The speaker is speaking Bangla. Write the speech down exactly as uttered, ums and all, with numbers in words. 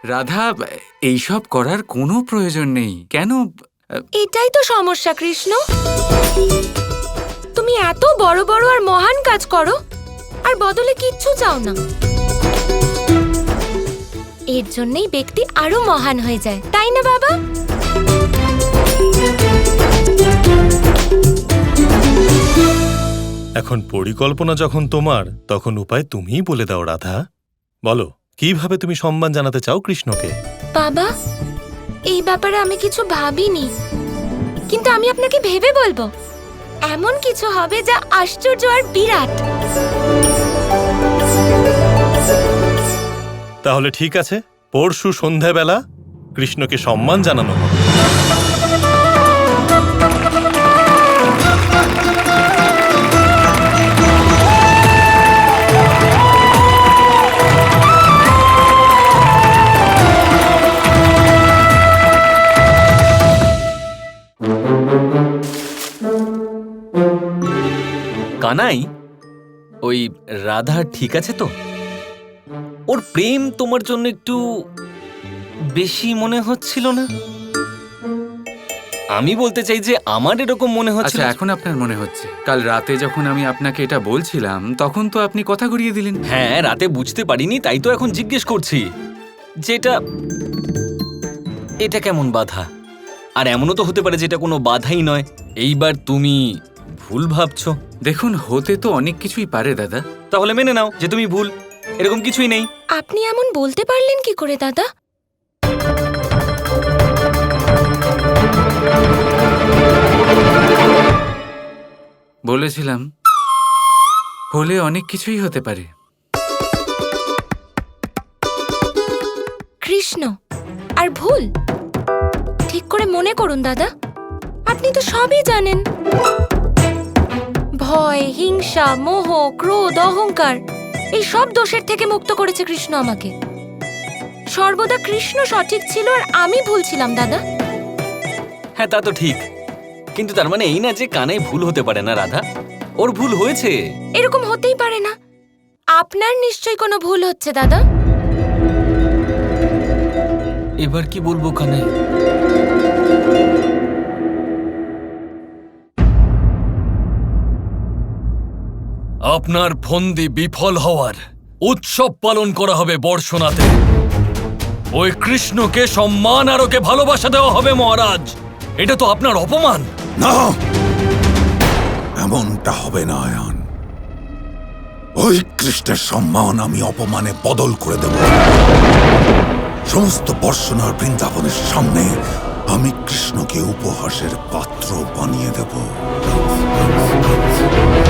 রাধা, এইসব করার কোনো প্রয়োজন নেই। কেন? এটাই তো সমস্যা কৃষ্ণ। তুমি এত বড় বড় আর মহান কাজ করো আর বদলে কিচ্ছু চাও না। এর জন্যই ব্যক্তি আরো মহান হয়ে যায়, তাই না বাবা? এখন পরিকল্পনা যখন তোমার, তখন উপায় তুমিই বলে দাও রাধা। বলো, কিভাবে তুমি সম্মান জানাতে চাও কৃষ্ণকে? বাবা, এই ব্যাপারে আমি কিছু ভাবিনি, কিন্তু আমি আপনাকে ভেবে বলবো। এমন কিছু হবে যা আশ্চর্য আর বিরাট। তাহলে ঠিক আছে, পরশু সন্ধ্যাবেলা কৃষ্ণকে সম্মান জানানো হবে। কানাই, ওই রাধা ঠিক আছে তো? ওর প্রেম তোমার জন্য একটু বেশি মনে হচ্ছিল না? আমি বলতে চাই যে আমার এরকম মনে হচ্ছে। আচ্ছা, এখন আপনার মনে হচ্ছে? কাল রাতে যখন আমি আপনাকে এটা বলছিলাম তখন তো আপনি কথা ঘুরিয়ে দিলেন। হ্যাঁ, রাতে বুঝতে পারিনি, তাই তো এখন জিজ্ঞেস করছি যেটা এটা কেমন বাধা। আর এমনও তো হতে পারে যেটা কোনো বাধাই নয়। এইবার তুমি ভুল ভাবছো। দেখুন, হতে তো অনেক কিছুই পারে দাদা। তাহলে মেনে নাও যে তুমি ভুল, এরকম কিছুই নেই। আপনি এমন বলতে পারলেন কি করে দাদা? বলেছিলাম, হলে অনেক কিছুই হতে পারে। কৃষ্ণ আর ভুল ঠিক করে মনে করুন দাদা। আপনি তো সবই জানেন। ভয়, হিংসা, মোহ, ক্রোধ, অহংকার এই সব দোষের থেকে মুক্ত করেছে কৃষ্ণ আমাকে। সর্বদা কৃষ্ণ সঠিক ছিল আর আমি ভুল ছিলাম দাদা। হ্যাঁ, তা তো ঠিক, কিন্তু তার মানে এই না যে কানাই ভুল হতে পারে না। রাধা, ওর ভুল হয়েছে। এরকম হতেই পারে না। আপনার নিশ্চয়ই কোনো ভুল হচ্ছে দাদা। এবার কি বলবো কানাই? আপনার ফন্দি বিফল হওয়ার উৎসব পালন করা হবে বর্ষনাতে। ওই কৃষ্ণকে সম্মান আর ওকে ভালোবাসা দেওয়া হবে মহারাজ। এটা তো আপনার অপমান। না, এমনটা হবে না আয়ান। ওই কৃষ্ণের সম্মান আমি অপমানে বদল করে দেব। সমস্ত বর্ষনার বৃন্দাবনের সামনে আমি কৃষ্ণকে উপহাসের পাত্র বানিয়ে দেব।